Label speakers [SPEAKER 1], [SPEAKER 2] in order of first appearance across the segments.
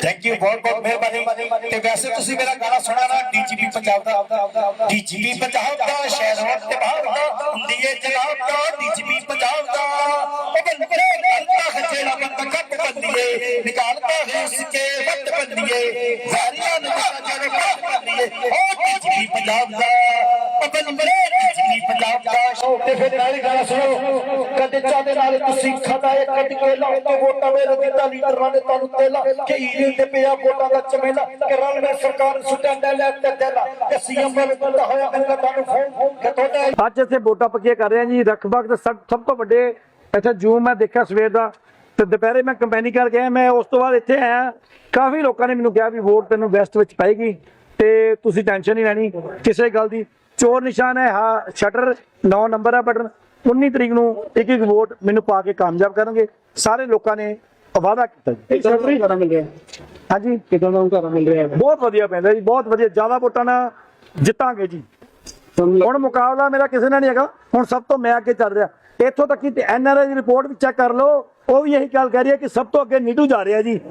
[SPEAKER 1] Thank you, बहुत बहुत मेहरबानी। ते वैसे तुसी मेरा गाना सुना ना, डीजीपी पंजाब दा, डीजीपी पंजाब दा, शहरों ते बाहर दा, हुंदी जनाब दा, डीजीपी पंजाब दा। ओ बंदे करता है जेड़ा बंदा कट बंदिए, निकालता है इसके वट बंदिए, जारियां निकाल जेड़ा कट बंदिए, ओ डीजीपी पंजाब दा, ओ बंदे डीजीपी पंजाब दा। ते फिर नाल गाना सुनो, कदे चादे नाल तुसी खाता है कट के लाओ तो वोटा मेरे दिता लीडर ने तानू तेला के हीरे ते पिया वोटा दा चमेला के रल में सरकार सुटंडा ले ते तेला के सीएम ने बंदा होया मैं तानू फोन के तोड़ा
[SPEAKER 2] ਅੱਜ ਇੱਥੇ ਵੋਟਾਂ ਪੱਕੀਆਂ ਕਰ ਰਹੇ ਹਾਂ ਜੀ। ਰਖਬਾਗ ਦੇ ਸਭ ਤੋਂ ਵੱਡੇ ਇੱਥੇ ਜੂਮ ਮੈਂ ਦੇਖਿਆ ਸਵੇਰ ਦਾ, ਤੇ ਦੁਪਹਿਰੇ ਮੈਂ ਕੰਪੇਨਿੰਗ ਕਰਕੇ ਆਇਆ। ਮੈਂ ਉਸ ਤੋਂ ਬਾਅਦ ਇੱਥੇ ਆਇਆ, ਕਾਫੀ ਲੋਕਾਂ ਨੇ ਮੈਨੂੰ ਕਿਹਾ ਵੀ ਵੋਟ ਤੈਨੂੰ ਵੈਸਟ ਵਿੱਚ ਪਾਏਗੀ ਤੇ ਤੁਸੀਂ ਟੈਨਸ਼ਨ ਨਹੀਂ ਲੈਣੀ ਕਿਸੇ ਗੱਲ ਦੀ। ਚੋਰ ਨਿਸ਼ਾਨ ਹੈ, ਹਾਂ ਸ਼ਟਰ 9 ਨੰਬਰ ਹੈ ਬਟਨ। 19 ਤਰੀਕ ਨੂੰ ਇੱਕ ਇੱਕ ਵੋਟ ਮੈਨੂੰ ਪਾ ਕੇ ਕਾਮਯਾਬ ਕਰਨਗੇ। ਸਾਰੇ ਲੋਕਾਂ ਨੇ ਵਾਅਦਾ ਕੀਤਾ ਜੀ।
[SPEAKER 3] ਮਿਲ ਰਿਹਾ
[SPEAKER 2] ਹਾਂਜੀ,
[SPEAKER 3] ਕਿਦਾਂ ਦਾ ਘਰ ਮਿਲ ਰਿਹਾ ਹੈ?
[SPEAKER 2] ਬਹੁਤ ਵਧੀਆ ਪੈਂਦਾ ਜੀ, ਬਹੁਤ ਵਧੀਆ। ਜ਼ਿਆਦਾ ਵੋਟਾਂ ਨਾਲ ਜਿੱਤਾਂਗੇ ਜੀ। ਹੁਣ ਮੁਕਾਬਲਾ ਮੇਰਾ ਕਿਸੇ ਨਾਲ ਨਹੀਂ ਹੈਗਾ, ਹੁਣ ਸਭ ਤੋਂ ਮੈਂ ਅੱਗੇ ਚੱਲ ਰਿਹਾ। ਇੱਥੋਂ ਤੱਕ ਕਿ ਐਨਆਰਆਈ ਦੀ ਰਿਪੋਰਟ ਵੀ ਚੈੱਕ ਕਰ ਲਓ, ਉਹ ਵੀ ਇਹੀ ਗੱਲ ਕਹਿ ਰਹੀ ਹੈ ਕਿ ਸਭ ਤੋਂ ਅੱਗੇ ਨੀਟੂ ਜਾ ਰਿਹਾ ਜੀ।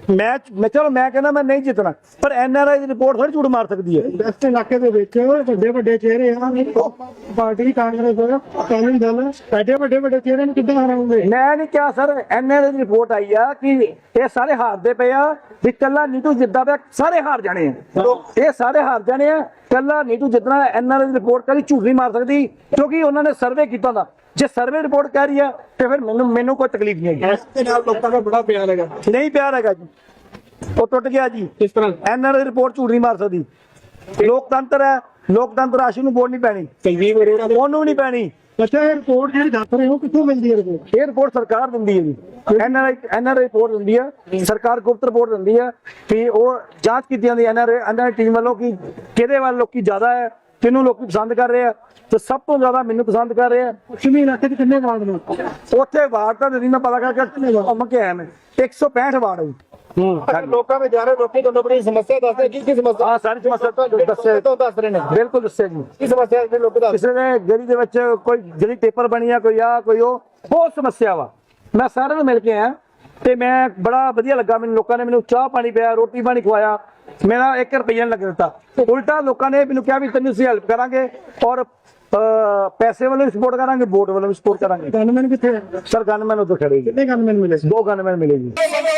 [SPEAKER 2] ਚਲੋ ਮੈਂ ਕਹਿੰਦਾ ਮੈਂ ਨਹੀਂ ਜਿੱਤਣਾ, ਪਰ ਐਨਆਰਆਈ ਦੀ ਰਿਪੋਰਟ ਥੋੜੀ ਝੂਠ ਮਾਰ ਸਕਦੀ ਹੈ।
[SPEAKER 3] ਵੈਸਟ ਇਲਾਕੇ ਦੇ ਵਿੱਚ ਵੱਡੇ ਵੱਡੇ ਚਿਹਰੇ ਆ, ਪਾਰਟੀ ਕਾਂਗਰਸ ਅਕਾਲੀ ਦਲ, ਐਡੇ ਵੱਡੇ ਚਿਹਰੇ ਨੂੰ ਕਿੱਦਾਂ ਹਰਾਉਂਗੇ?
[SPEAKER 2] ਮੈਂ ਨਹੀਂ ਕਿਹਾ ਸਰ, ਐਨਆਰਆਈ ਦੀ ਰਿਪੋਰਟ ਆਈ ਆ ਕਿ ਇਹ ਸਾਰੇ ਹਾਰਦੇ ਪਏ ਆ, ਵੀ ਕੱਲਾ ਨੀਟੂ ਜਿੱਦਾਂ ਪਿਆ ਸਾਰੇ ਹਾਰ ਜਾਣੇ ਆ। ਇਹ ਸਾਰੇ ਹਾਰ ਜਾਣੇ ਆ, ਕੱਲਾ ਨੀਟੂ ਜਿੱਤਣਾ। ਐਨਆਰਆਈ ਦੀ ਰਿਪੋਰਟ ਕਦੀ ਝੂਠ ਨਹੀਂ ਮਾਰ ਸਕਦੀ, ਕਿਉਂਕਿ ਉਹਨਾਂ ਨੇ ਸਰਵੇ ਕੀਤਾ ਦਾ। ਜੇ ਸਰਵੇ ਰਿਪੋਰਟ ਕਹਿ ਰਹੀ ਆ ਤੇ ਫਿਰ ਮੈਨੂੰ ਕੋਈ ਤਕਲੀਫ ਨਹੀਂ ਹੈਗੀ।
[SPEAKER 3] ਇਸ ਦੇ ਨਾਲ ਲੋਕਾਂ ਦਾ ਬੜਾ ਪਿਆਰ ਹੈਗਾ।
[SPEAKER 2] ਨਹੀਂ ਪਿਆਰ ਹੈਗਾ ਜੀ, ਉਹ ਟੁੱਟ ਗਿਆ ਜੀ।
[SPEAKER 3] ਕਿਸ ਤਰ੍ਹਾਂ?
[SPEAKER 2] ਐਨਆਰਆਈ ਰਿਪੋਰਟ ਝੂਠ ਨਹੀਂ ਮਾਰ ਸਕਦੀ। ਲੋਕਤੰਤਰ ਹੈ, ਲੋਕਤੰਤਰ ਆਸ਼ੂ ਨੂੰ ਵੋਟ ਨਹੀਂ ਪੈਣੀ,
[SPEAKER 3] ਸੰਜੀਵ ਅਰੋੜਾ ਦੇ
[SPEAKER 2] ਉਹਨੂੰ ਨਹੀਂ ਪੈਣੀ।
[SPEAKER 3] ਅੱਛਾ, ਇਹ ਰਿਪੋਰਟ ਜਿਹੜੀ ਦੱਸ ਰਹੇ ਹੋ ਕਿੱਥੋਂ ਮਿਲਦੀ ਹੈ ਰਿਪੋਰਟ?
[SPEAKER 2] ਇਹ ਰਿਪੋਰਟ ਸਰਕਾਰ ਦਿੰਦੀ ਹੈ ਜੀ। ਐਨਆਰਆਈ ਰਿਪੋਰਟ ਦਿੰਦੀ ਹੈ, ਸਰਕਾਰ ਗੁਪਤ ਰਿਪੋਰਟ ਦਿੰਦੀ ਹੈ ਕਿ ਉਹ ਜਾਂਚ ਕੀਤੀ ਜਾਂਦੀ ਹੈ ਐਨਆਰਆਈ ਟੀਮ ਵੱਲੋਂ ਕਿ ਕਿਹਦੇ ਵੱਲ ਲੋਕੀ ਜ਼ਿਆਦਾ ਹੈ, ਕਿਹਨੂੰ ਲੋਕੀ ਪਸੰਦ ਕਰ ਰਹੇ ਆ। ਤੇ ਸਭ ਤੋਂ ਜ਼ਿਆਦਾ ਮੈਨੂੰ ਪਸੰਦ ਕਰ ਰਹੇ ਆ।
[SPEAKER 3] ਪੱਛਮੀ ਇਲਾਕੇ ਚ ਕਿੰਨੇ ਵਾਰਡ ਨੇ?
[SPEAKER 2] ਉੱਥੇ ਵਾਰਡ ਤਾਂ ਨਹੀਂ ਮੈਂ ਪਤਾ ਕਰਕੇ ਘੁੰਮ ਕੇ ਆਇਆ। ਮੈਂ 165 ਵਾਰਡ ਹੈ ਜੀ।
[SPEAKER 3] ਲੋਕਾਂ ਵਿੱਚ ਜਾ ਰਹੇ ਲੋਕੀ ਤੁਹਾਨੂੰ ਬੜੀ ਸਮੱਸਿਆ ਦੱਸਦੇ, ਕੀ ਸਮੱਸਿਆ?
[SPEAKER 2] ਹਾਂ, ਸਾਰੀ ਸਮੱਸਿਆ ਦੱਸੇ
[SPEAKER 3] ਦੱਸ ਰਹੇ ਨੇ।
[SPEAKER 2] ਬਿਲਕੁਲ ਦੱਸਿਆ ਜੀ।
[SPEAKER 3] ਕੀ ਸਮੱਸਿਆ ਦੇ ਲੋਕ ਦੱਸ?
[SPEAKER 2] ਕਿਸੇ ਦੇ ਗਲੀ ਦੇ ਵਿੱਚ ਕੋਈ ਜਿਹੜੀ ਪੇਪਰ ਬਣੀ ਆ, ਕੋਈ ਆ ਕੋਈ ਉਹ ਬਹੁਤ ਸਮੱਸਿਆ ਵਾ। ਮੈਂ ਸਾਰਿਆਂ ਨੂੰ ਮਿਲ ਕੇ ਆਇਆ ਤੇ ਮੈਂ ਬੜਾ ਵਧੀਆ ਲੱਗਾ ਮੈਨੂੰ। ਲੋਕਾਂ ਨੇ ਮੈਨੂੰ ਚਾਹ ਪਾਣੀ ਪਿਆ, ਰੋਟੀ ਪਾਣੀ ਖਵਾਇਆ, ਮੇਰਾ 1 ਰੁਪਈਆ ਨਹੀਂ ਲੱਗ ਦਿੱਤਾ। ਉਲਟਾ ਲੋਕਾਂ ਨੇ ਮੈਨੂੰ ਕਿਹਾ ਵੀ ਤੈਨੂੰ ਅਸੀਂ ਹੈਲਪ ਕਰਾਂਗੇ ਔਰ ਪੈਸੇ ਵੱਲੋਂ ਵੀ ਸਪੋਰਟ ਕਰਾਂਗੇ, ਵੋਟ ਵੱਲੋਂ ਵੀ ਸਪੋਰਟ ਕਰਾਂਗੇ।
[SPEAKER 3] ਗਨਮੈਨ ਕਿੱਥੇ?
[SPEAKER 2] ਸਰ ਗਨਮੈਨ ਉੱਧਰ ਖੜੇ ਜੀ।
[SPEAKER 3] ਕਿੰਨੇ ਗਨਮੈਨ ਮਿਲੇ?
[SPEAKER 2] 2 ਗਨਮੈਨ ਮਿਲੇ ਜੀ।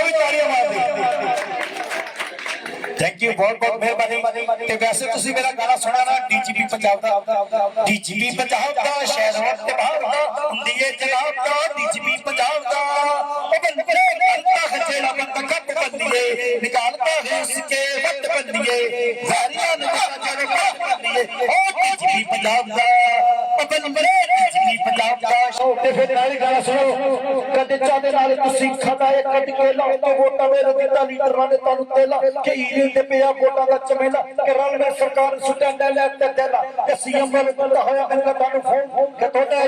[SPEAKER 1] थैंक यू, बहुत बहुत मेहरबानी। ते वैसे तुसी मेरा गाना सुना ना, डीजीपी पंजाब दा, डीजीपी पंजाब दा, शहरों ते बाहर दा, हुंदी जनाब दा, डीजीपी पंजाब दा। ओ बंदे करता है जेड़ा बंदा कट बंदिए, निकालता है इसके वट बंदिए, जारियां निकाल जेड़ा कट बंदिए, ओ डीजीपी पंजाब दा, ओ बंदे डीजीपी पंजाब दा। ते फिर नाल गाना सुनो, कदे चादे नाल तुसी खाता है कट के लाओ तो वोटा मेरे दिता लीडर ने तानू तेला के हीरे ते पिया वोटा दा चमेला के रल में सरकार सुटंडा ले ते तेला के सीएम ने बंदा होया मैं तानू फोन के तोड़ा